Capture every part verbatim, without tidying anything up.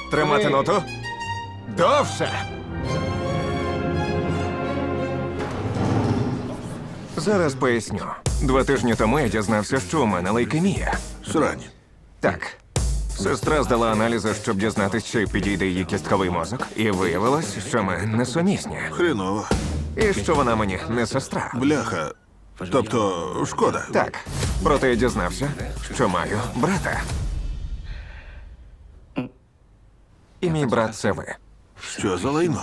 Тримати ноту. Довше. Зараз поясню. Два тижні тому я дізнався, що у мене лейкемія. Срань. Так. Сестра здала аналізи, щоб дізнатися, чи підійде її кістковий мозок. І виявилось, що ми несумісні. Хреново. І що вона мені не сестра. Бляха. Тобто, шкода. Так. Проте я дізнався, що маю брата. І мій брат це ви. Що за лайно?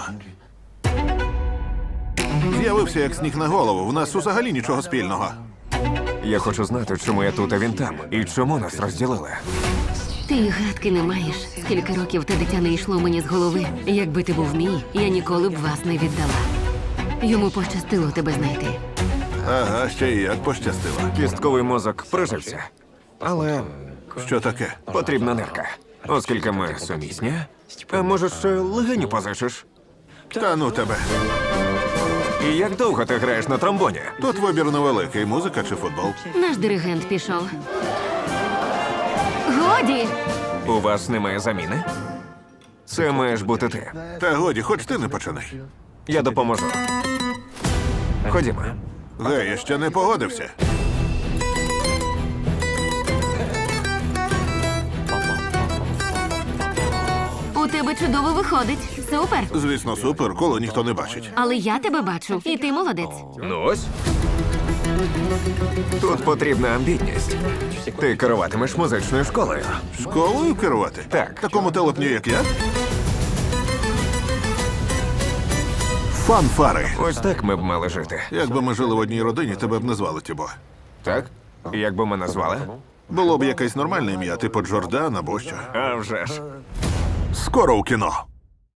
З'явився як сніг на голову. В нас взагалі нічого спільного. Я хочу знати, чому я тут, а він там. І чому нас розділили. Ти й гадки не маєш. Скільки років те дитя не йшло мені з голови. Якби ти був мій, я ніколи б вас не віддала. Йому пощастило тебе знайти. Ага, ще й як пощастило. Кістковий мозок прижився. Але Що таке? потрібна нирка. Оскільки ми сумісні, а може, ще легеню позичиш? Та ну тебе. І як довго ти граєш на тромбоні? Тут вибір невеликий. Музика чи футбол? Наш диригент пішов. Годі! У вас немає заміни? Це маєш бути ти. Та годі, хоч ти не починай. Я допоможу. Ходімо. Гей, я ще не погодився. У тебе чудово виходить. Супер. Звісно, супер, коло ніхто не бачить. Але я тебе бачу. І ти молодець. Ну ось. Тут потрібна амбітність. Ти керуватимеш музичною школою. Школою керувати? Так. Такому телепню, як я? Фанфари. Ось так ми б мали жити. Якби ми жили в одній родині, тебе б не звали Тібо. Так? Як би ми назвали? Було б якесь нормальне ім'я, типу Джордан або що. А вже ж. Скоро у кіно.